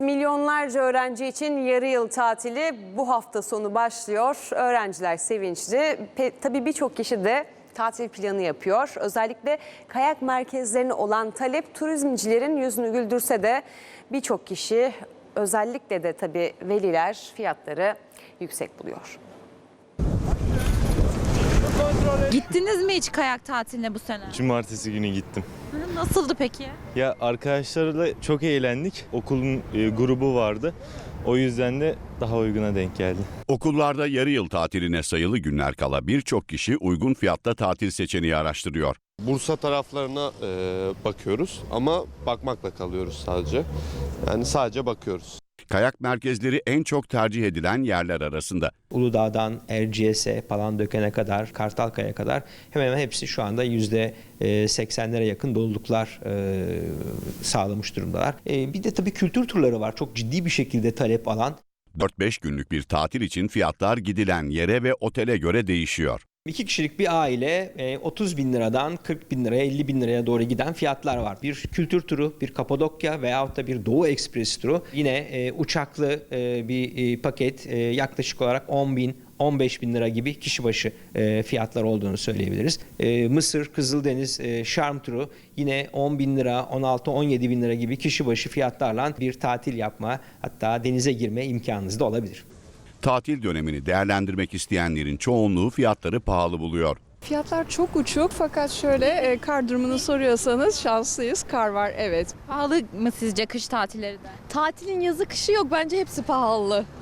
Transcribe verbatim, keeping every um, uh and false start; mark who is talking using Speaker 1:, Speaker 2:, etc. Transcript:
Speaker 1: Milyonlarca öğrenci için yarı yıl tatili bu hafta sonu başlıyor. Öğrenciler sevinçli. Pe- tabii birçok kişi de tatil planı yapıyor. Özellikle kayak merkezlerine olan talep turizmcilerin yüzünü güldürse de birçok kişi, özellikle de tabii veliler, fiyatları yüksek buluyor.
Speaker 2: Gittiniz mi hiç kayak tatiline bu sene?
Speaker 3: Cumartesi günü gittim.
Speaker 2: Hı, Nasıldı peki?
Speaker 3: Ya arkadaşlarla çok eğlendik. Okulun e, grubu vardı. O yüzden de daha uyguna denk geldi.
Speaker 4: Okullarda yarı yıl tatiline sayılı günler kala birçok kişi uygun fiyatta tatil seçeneği araştırıyor.
Speaker 5: Bursa taraflarına e, bakıyoruz ama bakmakla kalıyoruz sadece. Yani sadece bakıyoruz.
Speaker 4: Kayak merkezleri en çok tercih edilen yerler arasında.
Speaker 6: Uludağ'dan Erciyes'e, Palandöken'e kadar, Kartalkaya kadar hemen hemen hepsi şu anda yüzde seksenlere yakın doluluklar e, sağlamış durumdalar. E, bir de tabii kültür turları var. Çok ciddi bir şekilde talep alan.
Speaker 4: dört beş günlük bir tatil için fiyatlar gidilen yere ve otele göre değişiyor.
Speaker 6: İki kişilik bir aile otuz bin liradan kırk bin liraya, elli bin liraya doğru giden fiyatlar var. Bir kültür turu, bir Kapadokya veyahut da bir Doğu Ekspres turu. Yine e, uçaklı e, bir e, paket e, yaklaşık olarak on bin, on beş bin lira gibi kişi başı e, fiyatlar olduğunu söyleyebiliriz. E, Mısır, Kızıldeniz, e, Şarm turu yine on bin lira, on altı on yedi bin lira gibi kişi başı fiyatlarla bir tatil yapma, hatta denize girme imkanınız da olabilir.
Speaker 4: Tatil dönemini değerlendirmek isteyenlerin çoğunluğu fiyatları pahalı buluyor.
Speaker 7: Fiyatlar çok uçuk fakat şöyle e, kar durumunu soruyorsanız şanslıyız. Kar var, evet.
Speaker 2: Pahalı mı sizce kış tatilleri de?
Speaker 7: Tatilin yazı kışı yok, bence hepsi pahalı.